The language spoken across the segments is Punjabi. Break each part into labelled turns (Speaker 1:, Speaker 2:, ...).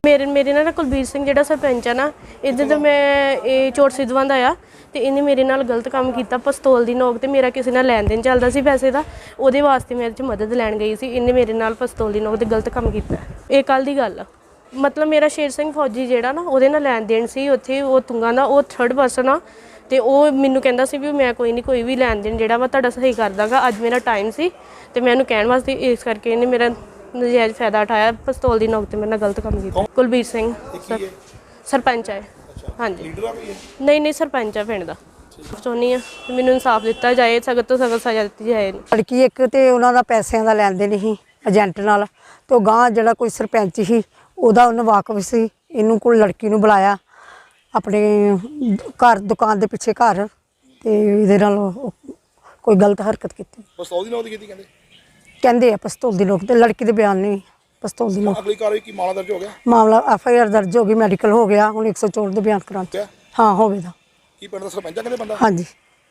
Speaker 1: ਮੇਰੇ ਨਾਲ ਕੁਲਬੀਰ ਸਿੰਘ ਜਿਹੜਾ ਸਰਪੰਚ ਆ ਨਾ, ਇਹਦੇ ਤੋਂ ਮੈਂ ਇਹ ਚੋਟ ਸਿੱਧਵਾਂ ਦਾ ਆ ਤੇ ਇਹਨੇ ਮੇਰੇ ਨਾਲ ਗਲਤ ਕੰਮ ਕੀਤਾ। ਪਿਸਤੌਲ ਦੀ ਨੋਕ ਤੇ ਮੇਰਾ ਕਿਸੇ ਨਾਲ ਲੈਣ ਦੇਣ ਚੱਲਦਾ ਸੀ ਪੈਸੇ ਦਾ, ਉਹਦੇ ਵਾਸਤੇ ਮੈਂ ਇਹਦੇ 'ਚ ਮਦਦ ਲੈਣ ਗਈ ਸੀ। ਇਹਨੇ ਮੇਰੇ ਨਾਲ ਪਿਸਤੌਲ ਦੀ ਨੋਕ ਤੇ ਗਲਤ ਕੰਮ ਕੀਤਾ। ਇਹ ਕੱਲ੍ਹ ਦੀ ਗੱਲ ਆ। ਮਤਲਬ ਮੇਰਾ ਸ਼ੇਰ ਸਿੰਘ ਫੌਜੀ ਜਿਹੜਾ ਨਾ, ਉਹਦੇ ਨਾਲ ਲੈਣ ਦੇਣ ਸੀ ਉੱਥੇ, ਉਹ ਤੁੰਗਾ ਦਾ, ਉਹ 3rd ਪਰਸਨ ਆ ਤੇ ਉਹ ਮੈਨੂੰ ਕਹਿੰਦਾ ਸੀ ਵੀ ਮੈਂ ਕੋਈ ਨਹੀਂ, ਕੋਈ ਵੀ ਲੈਣ ਦੇਣ ਜਿਹੜਾ ਵਾ ਤੁਹਾਡਾ ਸਹੀ ਕਰ ਦਾਂਗਾ। ਅੱਜ ਮੇਰਾ ਟਾਈਮ ਸੀ ਤੇ ਮੈਂ ਉਹਨੂੰ ਕਹਿਣ ਵਾਸਤੇ, ਇਸ ਕਰਕੇ ਇਹਨੇ ਮੇਰਾ ਨਜਾਇਜ਼ ਫਾਇਦਾ ਉਠਾਇਆ। ਪਿਸਤੌਲ ਦੀ ਨੋਕ ਤੇ ਮੇਰੇ ਨਾਲ ਗਲਤ ਕੰਮ ਕੀਤਾ। ਕੁਲਬੀਰ ਸਿੰਘ ਸਰਪੰਚ ਹੈ। ਹਾਂਜੀ ਨਹੀਂ ਸਰਪੰਚ ਆ ਪਿੰਡ ਦਾ। ਚਾਹੁੰਦੀ ਹਾਂ ਮੈਨੂੰ ਇਨਸਾਫ ਦਿੱਤਾ ਜਾਏ, ਸਖਤ ਤੋਂ ਸਖਤ ਸਜ਼ਾ ਦਿੱਤੀ ਜਾਏ।
Speaker 2: ਲੜਕੀ ਇੱਕ ਤੇ ਉਹਨਾਂ ਦਾ ਪੈਸਿਆਂ ਦਾ ਲੈਣ ਦੇਣ ਸੀ ਏਜੰਟ ਨਾਲ, ਤੇ ਉਹ ਗਾਂ ਜਿਹੜਾ ਕੋਈ ਸਰਪੰਚ ਸੀ ਉਹਦਾ ਉਹਨੂੰ ਵਾਕਫ ਸੀ। ਇਹਨੂੰ ਕੋਲ ਲੜਕੀ ਨੂੰ ਬੁਲਾਇਆ ਆਪਣੇ ਘਰ, ਦੁਕਾਨ ਦੇ ਪਿੱਛੇ ਘਰ, ਤੇ ਇਹਦੇ ਨਾਲ ਕੋਈ ਗਲਤ ਹਰਕਤ ਕੀਤੀ।
Speaker 3: ਪਿਸਤੌਲ ਦੀ ਨੋਕ ਦੀ ਕੀਤੀ
Speaker 2: ਕਹਿੰਦੇ ਆ ਪਿਸਤੌਲ ਦੀ ਨੋਕ ਤੇ, ਲੜਕੀ ਦੇ ਬਿਆਨ ਨਹੀਂ ਪਿਸਤੌਲ ਦੀ ਨੋਕ।
Speaker 3: ਅਗਲੀ ਕਾਰਵਾਈ ਕੀ ਮਾਮਲਾ ਦਰਜ ਹੋ ਗਿਆ?
Speaker 2: ਮਾਮਲਾ FIR ਦਰਜ ਹੋ ਗਈ, ਮੈਡੀਕਲ ਹੋ ਗਿਆ, ਹੁਣ 104 ਦੇ ਬਿਆਨ ਕਰਾਉਣ। ਹਾਂ ਹੋਵੇਗਾ।
Speaker 3: ਕੀ ਪਿੰਡ ਦਾ ਸਰਪੰਚ ਆ, ਕਹਿੰਦੇ ਬੰਦਾ?
Speaker 2: ਹਾਂਜੀ।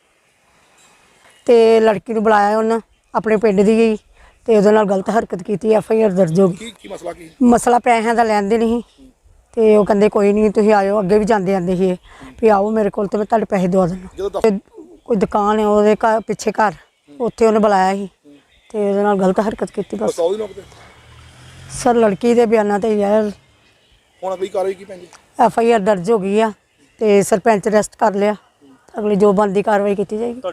Speaker 2: ਤੇ ਲੜਕੀ ਨੂੰ ਬੁਲਾਇਆ ਉਹਨਾਂ ਆਪਣੇ ਪਿੰਡ ਦੀ ਗਈ ਤੇ ਉਹਦੇ ਨਾਲ ਗਲਤ ਹਰਕਤ ਕੀਤੀ। FIR ਦਰਜ ਹੋ ਗਈ।
Speaker 3: ਕੀ ਮਸਲਾ ਕੀ?
Speaker 2: ਮਸਲਾ ਪੈਸਿਆਂ ਦਾ ਲੈਣ ਦੇਣ ਸੀ ਤੇ ਉਹ ਕਹਿੰਦੇ ਕੋਈ ਨਹੀਂ ਤੁਸੀਂ ਆਇਓ। ਅੱਗੇ ਵੀ ਜਾਂਦੇ ਆਂਦੇ ਸੀ ਵੀ ਆਓ ਮੇਰੇ ਕੋਲ ਤੇ ਮੈਂ ਤੁਹਾਡੇ ਪੈਸੇ ਦਵਾ ਦਿੰਦਾ। ਕੋਈ ਦੁਕਾਨ ਹੈ ਉਹਦੇ ਘਰ ਪਿੱਛੇ ਘਰ, ਉੱਥੇ ਉਹਨੇ ਬੁਲਾਇਆ ਸੀ ਤੇ ਉਹਦੇ ਨਾਲ ਗਲਤ ਹਰਕਤ ਕੀਤੀ। ਬਸ
Speaker 3: ਪਿਸਤੌਲ ਦੀ ਨੋਕ ਤੇ
Speaker 2: ਸਰ ਲੜਕੀ ਦੇ ਬਿਆਨਾਂ ਤੇ ਯਾਰ
Speaker 3: ਹੁਣ ਅਗਲੀ ਕਾਰਵਾਈ ਕੀ ਪੈਂਦੀ?
Speaker 2: FIR ਦਰਜ ਹੋ ਗਈ ਆ ਤੇ ਸਰਪੰਚ ਅਰੈਸਟ ਕਰ ਲਿਆ। ਅਗਲੀ ਜੋ ਬਣਦੀ ਕਾਰਵਾਈ ਕੀਤੀ ਜਾਏਗੀ।